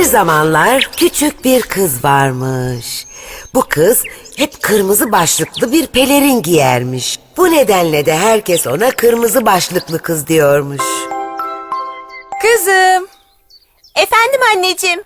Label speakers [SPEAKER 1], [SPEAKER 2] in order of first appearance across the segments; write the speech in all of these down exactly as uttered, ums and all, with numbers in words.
[SPEAKER 1] zamanlar küçük bir kız varmış. Bu kız hep kırmızı başlıklı bir pelerin giyermiş. Bu nedenle de herkes ona kırmızı başlıklı kız diyormuş.
[SPEAKER 2] Kızım.
[SPEAKER 3] Efendim anneciğim.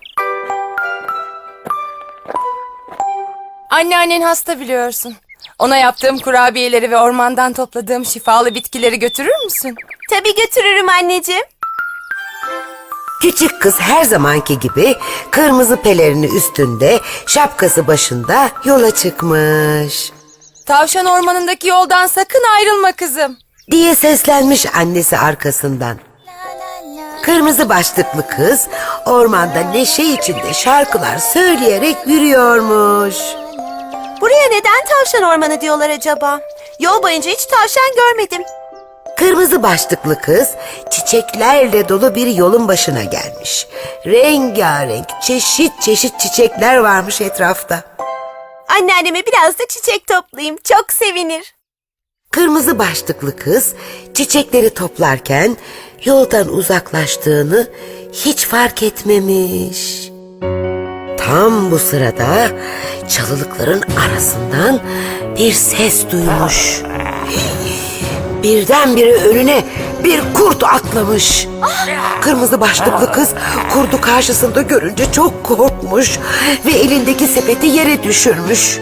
[SPEAKER 2] Anneannen hasta biliyorsun. Ona yaptığım kurabiyeleri ve ormandan topladığım şifalı bitkileri götürür müsün?
[SPEAKER 3] Tabii götürürüm anneciğim.
[SPEAKER 1] Küçük kız her zamanki gibi kırmızı pelerini üstünde, şapkası başında yola çıkmış.
[SPEAKER 2] Tavşan ormanındaki yoldan sakın ayrılma kızım.
[SPEAKER 1] Diye seslenmiş annesi arkasından. Kırmızı başlıklı kız ormanda neşe içinde şarkılar söyleyerek yürüyormuş.
[SPEAKER 3] Buraya neden tavşan ormanı diyorlar acaba? Yol boyunca hiç tavşan görmedim.
[SPEAKER 1] Kırmızı başlıklı kız çiçeklerle dolu bir yolun başına gelmiş. Rengarenk, çeşit çeşit çiçekler varmış etrafta.
[SPEAKER 3] Anneanneme biraz da çiçek toplayayım. Çok sevinir.
[SPEAKER 1] Kırmızı başlıklı kız çiçekleri toplarken yoldan uzaklaştığını hiç fark etmemiş. Tam bu sırada çalılıkların arasından bir ses duymuş. Birdenbire önüne bir kurt atlamış. Kırmızı başlıklı kız kurdu karşısında görünce çok korkmuş ve elindeki sepeti yere düşürmüş.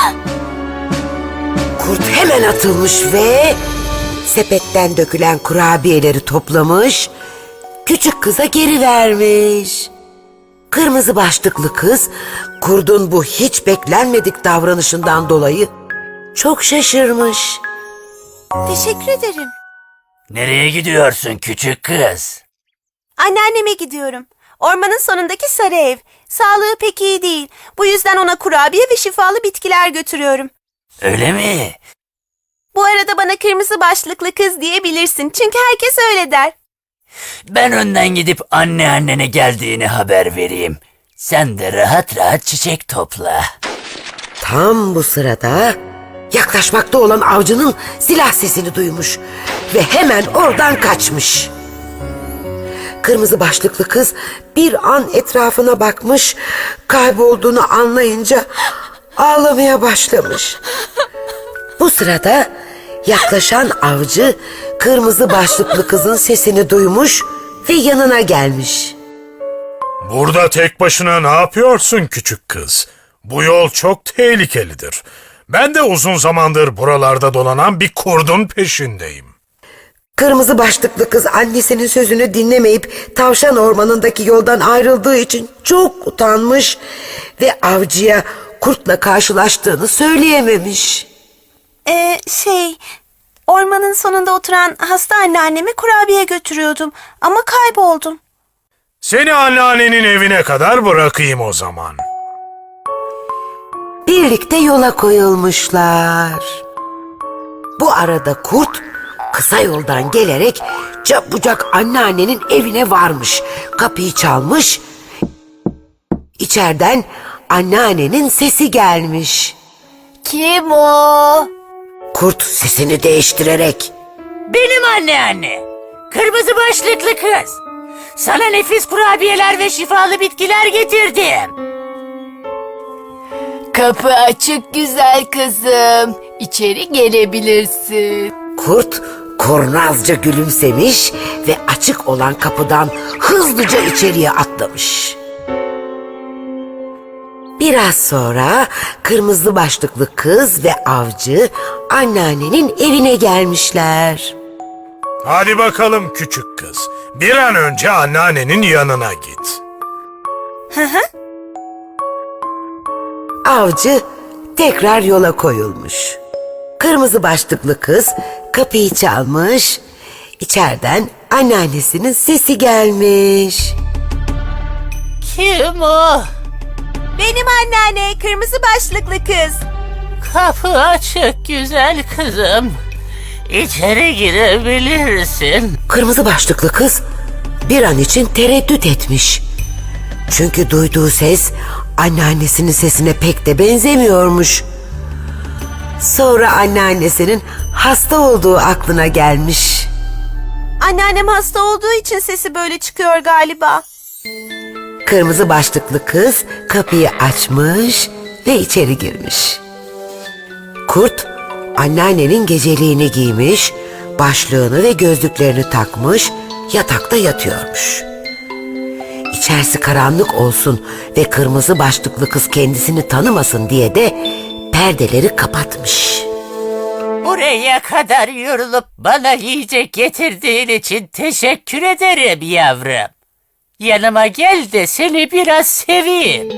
[SPEAKER 1] Kurt hemen atılmış ve sepetten dökülen kurabiyeleri toplamış, küçük kıza geri vermiş. Kırmızı başlıklı kız kurdun bu hiç beklenmedik davranışından dolayı çok şaşırmış.
[SPEAKER 3] Teşekkür ederim.
[SPEAKER 4] Nereye gidiyorsun küçük kız?
[SPEAKER 3] Anneanneme gidiyorum. Ormanın sonundaki sarı ev. Sağlığı pek iyi değil. Bu yüzden ona kurabiye ve şifalı bitkiler götürüyorum.
[SPEAKER 4] Öyle mi?
[SPEAKER 3] Bu arada bana kırmızı başlıklı kız diyebilirsin. Çünkü herkes öyle der.
[SPEAKER 4] Ben önden gidip anneannene geldiğini haber vereyim. Sen de rahat rahat çiçek topla.
[SPEAKER 1] Tam bu sırada yaklaşmakta olan avcının silah sesini duymuş ve hemen oradan kaçmış. Kırmızı başlıklı kız bir an etrafına bakmış, kaybolduğunu anlayınca ağlamaya başlamış. Bu sırada yaklaşan avcı kırmızı başlıklı kızın sesini duymuş ve yanına gelmiş.
[SPEAKER 5] Burada tek başına ne yapıyorsun küçük kız? Bu yol çok tehlikelidir. Ben de uzun zamandır buralarda dolanan bir kurdun peşindeyim.
[SPEAKER 1] Kırmızı başlıklı kız annesinin sözünü dinlemeyip tavşan ormanındaki yoldan ayrıldığı için çok utanmış ve avcıya kurtla karşılaştığını söyleyememiş.
[SPEAKER 3] Ee, şey... Ormanın sonunda oturan hasta anneanneme kurabiye götürüyordum. Ama kayboldum.
[SPEAKER 5] Seni anneannenin evine kadar bırakayım o zaman.
[SPEAKER 1] Birlikte yola koyulmuşlar. Bu arada kurt kısa yoldan gelerek çabucak anneannenin evine varmış. Kapıyı çalmış. İçeriden anneannenin sesi gelmiş.
[SPEAKER 3] Kim o?
[SPEAKER 1] Kurt sesini değiştirerek
[SPEAKER 4] Benim anneanne. Kırmızı başlıklı kız. Sana nefis kurabiyeler ve şifalı bitkiler getirdim.
[SPEAKER 2] Kapı açık güzel kızım. İçeri gelebilirsin.
[SPEAKER 1] kurt kurnazca gülümsemiş ve açık olan kapıdan hızlıca içeriye atlamış. Biraz sonra kırmızı başlıklı kız ve avcı anneannenin evine gelmişler.
[SPEAKER 5] Hadi bakalım küçük kız. Bir an önce anneannenin yanına git.
[SPEAKER 1] Avcı tekrar yola koyulmuş. Kırmızı başlıklı kız kapıyı çalmış. İçeriden anneannesinin sesi gelmiş.
[SPEAKER 4] Kim o?
[SPEAKER 3] Benim anneanne, kırmızı başlıklı kız.
[SPEAKER 4] Kapı açık güzel kızım. İçeri girebilirsin.
[SPEAKER 1] Kırmızı başlıklı kız bir an için tereddüt etmiş. Çünkü duyduğu ses anneannesinin sesine pek de benzemiyormuş. Sonra anneannesinin hasta olduğu aklına gelmiş.
[SPEAKER 3] Anneannem hasta olduğu için sesi böyle çıkıyor galiba.
[SPEAKER 1] Kırmızı başlıklı kız kapıyı açmış ve içeri girmiş. Kurt, anneannenin geceliğini giymiş, başlığını ve gözlüklerini takmış, yatakta yatıyormuş. İçerisi karanlık olsun ve kırmızı başlıklı kız kendisini tanımasın diye de perdeleri kapatmış.
[SPEAKER 4] Buraya kadar yorulup bana yiyecek getirdiğin için teşekkür ederim yavrum. Yanıma gel de seni biraz seveyim.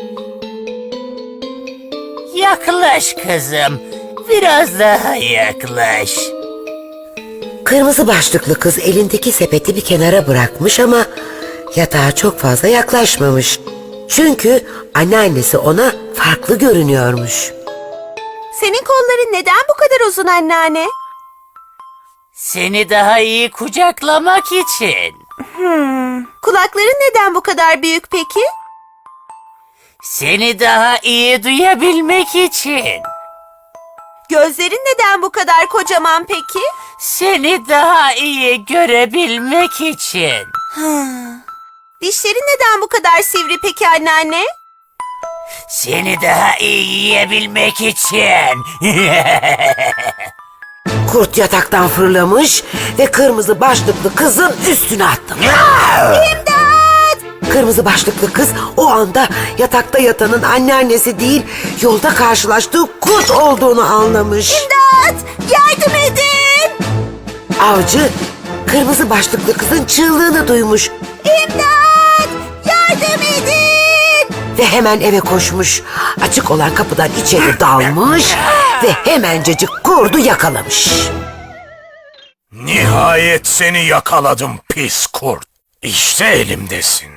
[SPEAKER 4] Yaklaş kızım, biraz daha yaklaş.
[SPEAKER 1] Kırmızı başlıklı kız elindeki sepeti bir kenara bırakmış ama yatağa çok fazla yaklaşmamış. Çünkü anneannesi ona farklı görünüyormuş.
[SPEAKER 3] Senin kolların neden bu kadar uzun anneanne?
[SPEAKER 4] Seni daha iyi kucaklamak için.
[SPEAKER 3] Kulakların neden bu kadar büyük peki?
[SPEAKER 4] Seni daha iyi duyabilmek için.
[SPEAKER 3] Gözlerin neden bu kadar kocaman peki?
[SPEAKER 4] Seni daha iyi görebilmek için.
[SPEAKER 3] Dişlerin neden bu kadar sivri peki anneanne?
[SPEAKER 4] Seni daha iyi yiyebilmek için.
[SPEAKER 1] Kurt yataktan fırlamış ve kırmızı başlıklı kızın üstüne atlamış. İmdat! Kırmızı başlıklı kız o anda yatakta yatanın anneannesi değil, yolda karşılaştığı kurt olduğunu anlamış.
[SPEAKER 3] İmdat! Yardım edin!
[SPEAKER 1] Avcı kırmızı başlıklı kızın çığlığını duymuş
[SPEAKER 3] İmdat! Yardım edin!
[SPEAKER 1] ve hemen eve koşmuş. Açık olan kapıdan içeri dalmış ve hemencecik kurdu yakalamış.
[SPEAKER 5] Nihayet seni yakaladım pis kurt. İşte elimdesin.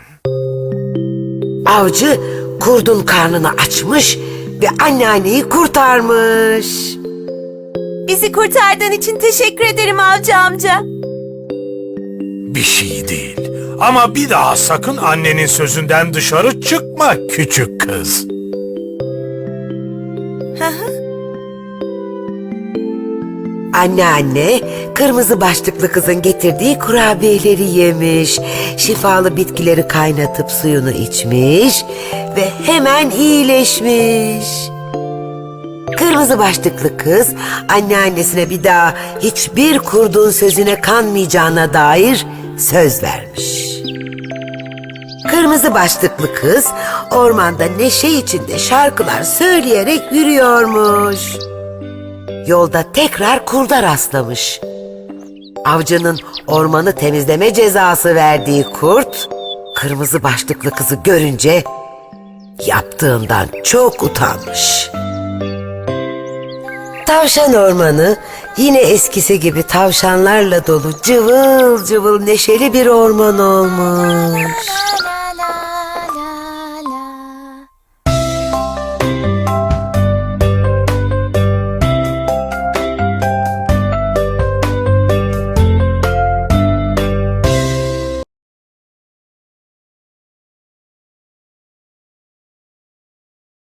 [SPEAKER 1] Avcı kurdun karnını açmış ve anneanneyi kurtarmış.
[SPEAKER 3] Bizi kurtardığın için teşekkür ederim avcı amca.
[SPEAKER 5] Bir şey değil. Ama bir daha sakın annenin sözünden dışarı çıkma küçük kız.
[SPEAKER 1] Anneanne kırmızı başlıklı kızın getirdiği kurabiyeleri yemiş, şifalı bitkileri kaynatıp suyunu içmiş ve hemen iyileşmiş. Kırmızı başlıklı kız anneannesine bir daha hiçbir kurdun sözüne kanmayacağına dair söz vermiş. Kırmızı başlıklı kız ormanda neşe içinde şarkılar söyleyerek yürüyormuş. Yolda tekrar kurda rastlamış. Avcının ormanı temizleme cezası verdiği kurt, kırmızı başlıklı kızı görünce yaptığından çok utanmış. Tavşan ormanı yine eskisi gibi tavşanlarla dolu cıvıl cıvıl neşeli bir orman olmuş.